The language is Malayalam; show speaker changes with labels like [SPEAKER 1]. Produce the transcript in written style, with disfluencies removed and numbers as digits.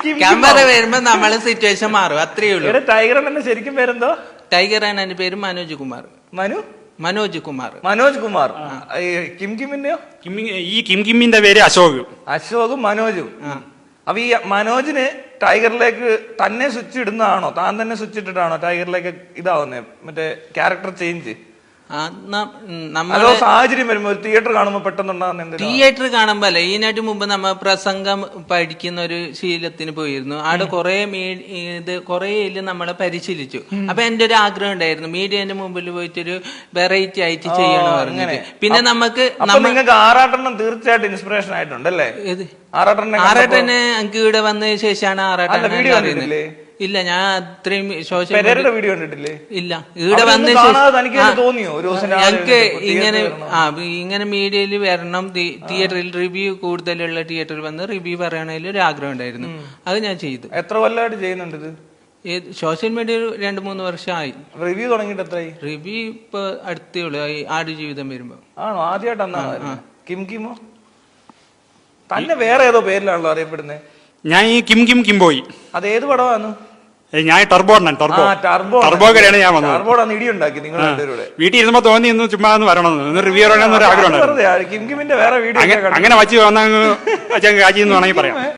[SPEAKER 1] ക്യാമറ വരുമ്പോ നമ്മള് സിറ്റുവേഷൻ മാറും, അത്രേ ഉള്ളൂ.
[SPEAKER 2] ടൈഗർ തന്നെ ശരിക്കും പേരെന്തോ?
[SPEAKER 1] ടൈഗർ എന്റെ പേര് മനോജ് കുമാർ. മനോജ് കുമാർ.
[SPEAKER 2] മനോജ് കുമാർ. കിം കിമ്മിന്റെയോ?
[SPEAKER 3] ഈ കിമ്മിന്റെ പേര് അശോക്.
[SPEAKER 2] അശോകും മനോജും. അപ്പൊ ഈ മനോജിന് ടൈഗറിലേക്ക് തന്നെ സ്വിച്ച് ഇടുന്നതാണോ, താൻ തന്നെ സ്വിച്ച് ഇട്ടിട്ടാണോ ടൈഗറിലേക്ക് ഇതാവുന്നേ, മറ്റേ ക്യാരക്ടർ ചേഞ്ച്?
[SPEAKER 1] നമ്മള്
[SPEAKER 2] സാഹചര്യം വരുമ്പോ തിയേറ്റർ കാണുമ്പോ പെട്ടെന്നുണ്ടാകുന്ന?
[SPEAKER 1] തിയേറ്റർ കാണുമ്പോ അല്ല, ഇതിനായിട്ട് മുമ്പ് നമ്മ പ്രസംഗം പഠിക്കുന്ന ഒരു ശീലത്തിന് പോയിരുന്നു. അവിടെ കൊറേ നമ്മളെ പരിശീലിച്ചു. അപ്പൊ എന്റെ ഒരു ആഗ്രഹം ഉണ്ടായിരുന്നു മീഡിയന്റെ മുമ്പിൽ പോയിട്ടൊരു വെറൈറ്റി ആയിട്ട് ചെയ്യണം പറഞ്ഞിട്ട്. പിന്നെ നിങ്ങൾക്ക്
[SPEAKER 2] ആറാട്ടെണ്ണം തീർച്ചയായിട്ടും ഇൻസ്പിറേഷൻ ആയിട്ടുണ്ടല്ലേ?
[SPEAKER 1] ആറാട്ടനെ എനിക്ക് ഇവിടെ വന്നതിന് ശേഷമാണ് ആറാട്ടനെ അറിയുന്നത്. ഇല്ല, ഞാൻ അത്രയും സോഷ്യൽ
[SPEAKER 2] വീഡിയോ കണ്ടിട്ടില്ലേ?
[SPEAKER 1] ഇല്ല, ഇവിടെ വന്ന ഞങ്ങക്ക് ഇങ്ങനെ മീഡിയയിൽ വരണം, തിയേറ്ററിൽ റിവ്യൂ കൂടുതലുള്ള തിയേറ്ററിൽ വന്ന് റിവ്യൂ പറയണതിൽ ഒരു ആഗ്രഹം ഉണ്ടായിരുന്നു. അത് ഞാൻ ചെയ്തു.
[SPEAKER 2] എത്ര കൊല്ലമായിട്ട് ചെയ്യുന്നുണ്ട് ഇത്?
[SPEAKER 1] സോഷ്യൽ മീഡിയയിൽ 2-3 വർഷമായി.
[SPEAKER 2] റിവ്യൂ തുടങ്ങിയിട്ട് എത്രയായി?
[SPEAKER 1] റിവ്യൂ ഇപ്പൊ അടുത്തേ ഉള്ളു, ആടുജീവിതം വരുമ്പോ.
[SPEAKER 2] ആണോ? ആദ്യമായിട്ടാണ്. കിംകിമോ? തന്നെ വേറെ ഏതോ പേരിലാണല്ലോ അറിയപ്പെടുന്നത്.
[SPEAKER 3] ഞാൻ ഈ കിംബോയ്.
[SPEAKER 2] അത് ഏത് പടമാണ്?
[SPEAKER 3] ഞാൻ ടർബോയാണ് ഞാൻ വന്നത്.
[SPEAKER 2] ഇടിയുണ്ടാക്കി നിങ്ങൾ
[SPEAKER 3] വീട്ടിൽ ഇരുന്നപ്പോ തോന്നി ഇന്ന് ചുമ്മാ ഒന്ന് വരണം, റിവ്യൂ പറയണമെന്നൊരു ആഗ്രഹം.
[SPEAKER 2] കിംകിമിന്റെ വേറെ വീഡിയോ
[SPEAKER 3] അങ്ങനെ വച്ച് വന്ന കാച്ചി എന്ന് വേണമെങ്കിൽ പറയാം.